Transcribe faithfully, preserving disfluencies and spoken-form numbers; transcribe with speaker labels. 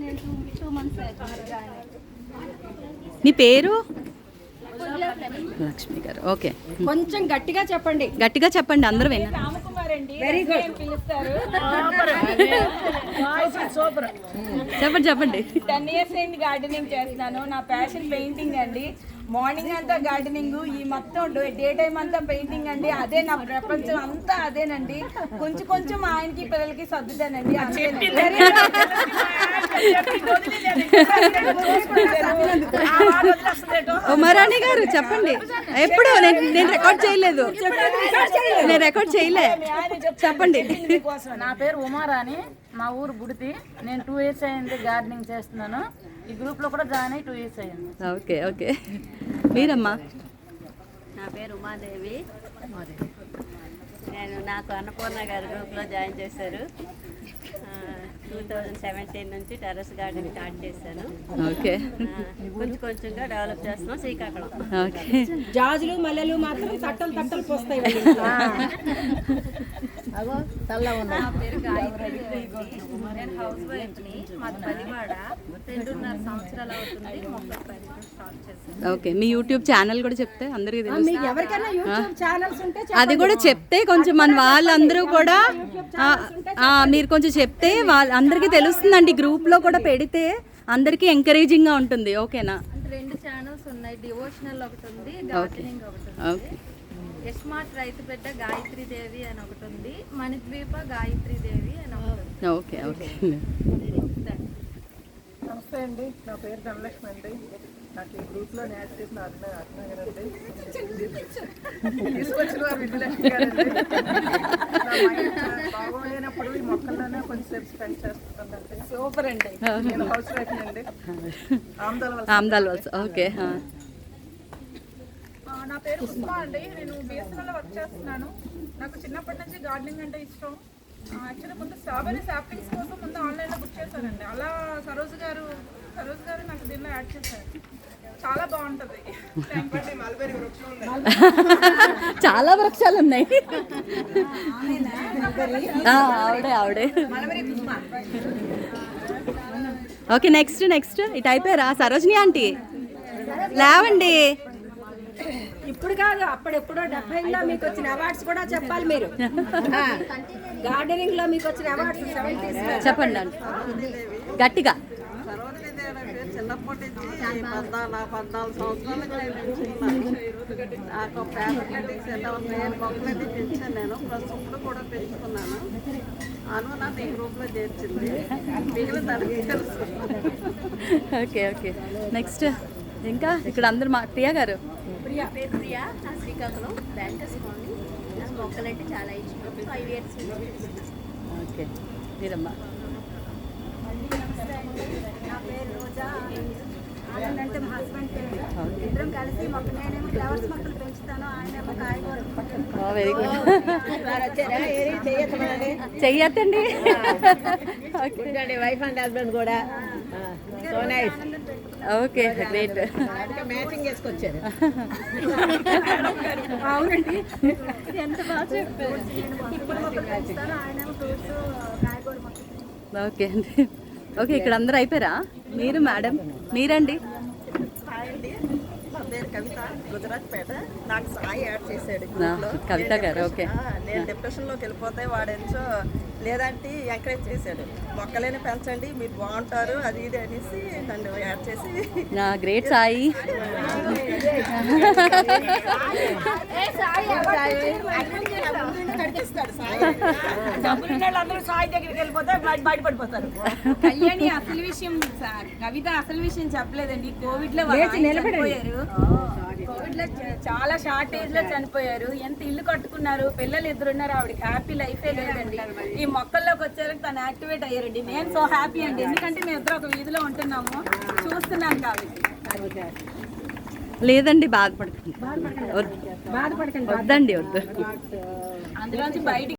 Speaker 1: మీ పేరు? లక్ష్మి గారు. ఓకే,
Speaker 2: కొంచెం గట్టిగా చెప్పండి.
Speaker 1: గట్టిగా చెప్పండి, అందరూ వినండి.
Speaker 2: Very good.
Speaker 1: చెప్పండి చెప్పండి.
Speaker 3: టెన్ ఇయర్స్ అయింది గార్డెనింగ్ చేస్తున్నాను. నా ప్యాషన్ పెయింటింగ్ అండి. మార్నింగ్ అంతా గార్డెనింగ్, ఈ మొత్తం డే టైం అంతా పెయింటింగ్ అండి. అదే నా ప్రపంచం అంతా అదేనండి. కొంచెం కొంచెం ఆయనకి పిల్లలకి సర్దుతానండి.
Speaker 1: ఉమారాణి గారు చెప్పండి. ఎప్పుడు నేను రికార్డ్ చేయలేదు, నేను రికార్డ్ చేయలే. చెప్పండి.
Speaker 4: నా పేరు ఉమారాణి, మా ఊరు గుడితి. నేను టూ ఇయర్స్ అయింది గార్డెనింగ్ చేస్తున్నాను. ఈ గ్రూప్లో కూడా జాయిన్ అయ్యి టూ ఇయర్స్ అయ్యింది.
Speaker 1: Okay okay. మీరమ్మా?
Speaker 5: నా పేరు ఉమాదేవి. నేను నాకు అన్నపూర్ణ గారి గ్రూప్లో జాయిన్ చేశారు. టూ థౌజండ్ సెవెంటీన్ నుంచి టెర్రస్ గార్డెన్ స్టార్ట్ చేశాను.
Speaker 1: ఓకే.
Speaker 5: కొంచెం కొంచెంగా డెవలప్ చేస్తున్నాం శ్రీకాకుళం.
Speaker 1: ఓకే.
Speaker 2: జాజులు మల్లెలు మాత్రం తట్టలు తట్టలు పోస్తాయి.
Speaker 5: నా పేరు గాయత్రి. నేను హౌస్ వైఫ్ని. మాది పదివాడ. రెండున్నర సంవత్సరాలు అవుతుంది మొక్కలు పెంచడం స్టార్ట్ చేశాను.
Speaker 1: ఓకే. మీ యూట్యూబ్ ఛానల్ కూడా చెప్తే అందరికీ తెలుసు.
Speaker 2: ఎవరికైనా యూట్యూబ్ ఛానల్స్ ఉంటే
Speaker 1: అది కూడా చెప్తే కొంచెం మన వాళ్ళందరూ కూడా మీరు కొంచెం చెప్తే వాళ్ళ అందరికీ తెలుస్తుందండి. గ్రూప్లో కూడా పెడితే అందరికీ ఎంకరేజింగ్గా ఉంటుంది. ఓకేనా?
Speaker 5: రెండు ఛానల్స్ ఉన్నాయి. డివోషనల్ ఒకటి ఉంది, గార్డెనింగ్ ఒకటి ఉంది.
Speaker 1: ఓకే.
Speaker 5: యస్మార్ట్ రైతు బిడ్డ గాయత్రి దేవి అని ఒకటి ఉంది, మణిద్వీప గాయత్రి దేవి అని ఒకటి ఉంది.
Speaker 1: Okay okay.
Speaker 6: నమస్తే అండి, నా పేరు ధనలక్ష్మి అండి. నాకు ఈ గ్రూప్లో యాడ్ చేసిన అర్ణ అర్ణ గారండి, తీసుకొచ్చిన వారు విజయలక్ష్మి గారండి. బాగోలేనప్పుడు ఈ మొక్కల్లోనే కొంచెంసేపు స్పెండ్ చేస్తుందండి.
Speaker 3: సూపర్ అండి.
Speaker 6: నేను హౌస్ వైఫ్ అండి, ఆమ్దాల
Speaker 1: ఆమ్దాల్ వలస. ఓకే.
Speaker 7: నా పేరు ఉస్మా అండి. నేను బిఎస్ఎన్ఎల్లో వర్క్ చేస్తున్నాను. నాకు చిన్నప్పటి నుంచి గార్డెనింగ్ అంటే ఇష్టం. యాక్చువల్లీ ముందు స్ట్రాబెరీ సాప్లింగ్స్ కోసం ముందు ఆన్లైన్లో బుక్ చేశానండి. అలా సరోజ్ గారు సరోజ్ గారు నాకు దీనిలో యాడ్ చేశారు. చాలా బాగుంటుంది.
Speaker 1: చాలా వృక్షాలు ఉన్నాయి. ఆవిడే ఆవిడే. ఓకే, నెక్స్ట్ నెక్స్ట్ ఇటు అయిపోయారా? సరోజిని ఆంటీ లేవండి.
Speaker 2: ఇప్పుడు కాదు, అప్పుడెప్పుడో డెబ్బైలో మీకు వచ్చిన అవార్డ్స్ కూడా చెప్పాలి మీరు. గార్డెనింగ్ లో మీకు వచ్చిన అవార్డ్స్ సెవెంటీస్
Speaker 1: చెప్పండి అండి గట్టిగా.
Speaker 8: చిన్నప్పటి నుంచి పద్నాలుగు పద్నాలుగు సంవత్సరాలకు నేను పెంచుకున్నాను. నాకు పేపర్ కటింగ్స్ ఎలా నేను మొక్కలన్నీ పెంచాను. నేను ప్రస్తుతం కూడా పెంచుకున్నాను. అను నాకు ఈ గ్రూప్లో చేర్చింది. మిగిలిన తనకి తెలుసు.
Speaker 1: Okay okay. నెక్స్ట్ ఇంకా ఇక్కడ అందరు మా ప్రియా గారు.
Speaker 5: ప్రియా పేరు ప్రియా. నా శ్రీకాకుళం బ్యాంకర్స్ కాలనీ. నాకు మొక్కలంటే చాలా ఇష్టం. Five years.
Speaker 1: ఓకే. మీరమ్మా?
Speaker 9: నా పేరు రోజా. ఆనంద్ అంటే మా హస్బెండ్ పేరు. ఇద్దరం కలిసి మొక్క నేనేమో ఫ్లవర్స్ మొక్కలు పెంచుతాను, ఆయనేమో కాయగూరలు.
Speaker 1: Very good. చెయ్యొద్దండి.
Speaker 2: వైఫ్ అండ్ హస్బెండ్ కూడా.
Speaker 1: Okay great.
Speaker 2: మ్యాచింగ్ చేసుకొచ్చారు.
Speaker 9: అవునండి, ఎంత బాగా చెప్పారు. ఇప్పుడు మొక్కలు పెంచుతాను, ఆయనేమో ఫ్రూట్స్ కాయగూర మొక్కలు.
Speaker 1: ఓకే అండి. ఓకే, ఇక్కడ అందరూ అయిపోయారా? మీరు మేడం మీరండి?
Speaker 8: హాయ్ అండి, నా పేరు కవిత, గుజరాత్ పేట. నాకు సాయి యాడ్ చేశాడు.
Speaker 1: కవిత గారు. ఓకే.
Speaker 8: నేను డిప్రెషన్లోకి వెళ్ళిపోతే వాడెంచో లేదంటే ఎంకరేజ్ చేశాడు. మొక్కలేని పెంచండి, మీరు బాగుంటారు, అది ఇది అనేసి నన్ను యాడ్ చేసి.
Speaker 1: గ్రేట్ సాయి.
Speaker 3: అందరూ సాయి దగ్గరికి వెళ్ళిపోతే బయటపడిపోతారు. కళ్యాణి అసలు విషయం, కవిత అసలు విషయం చెప్పలేదండి. కోవిడ్ లో చనిపోయారు. కోవిడ్ లో చాలా షార్ట్ ఏజ్ లో చనిపోయారు. ఎంత ఇల్లు కట్టుకున్నారు, పిల్లలు ఇద్దరున్నారు. ఆవిడకి హ్యాపీ లైఫే లేదండి. ఈ మొక్కల్లోకి వచ్చారు, తను యాక్టివేట్ అయ్యారండి. నేను సో హ్యాపీ అండి, ఎందుకంటే మేము ఇద్దరు ఒక వీధిలో ఉంటున్నాము, చూస్తున్నాను కాబట్టి.
Speaker 1: లేదండి, బాధపడకండి. వద్దండి, వద్దు.
Speaker 3: అందులోంచి బయటికి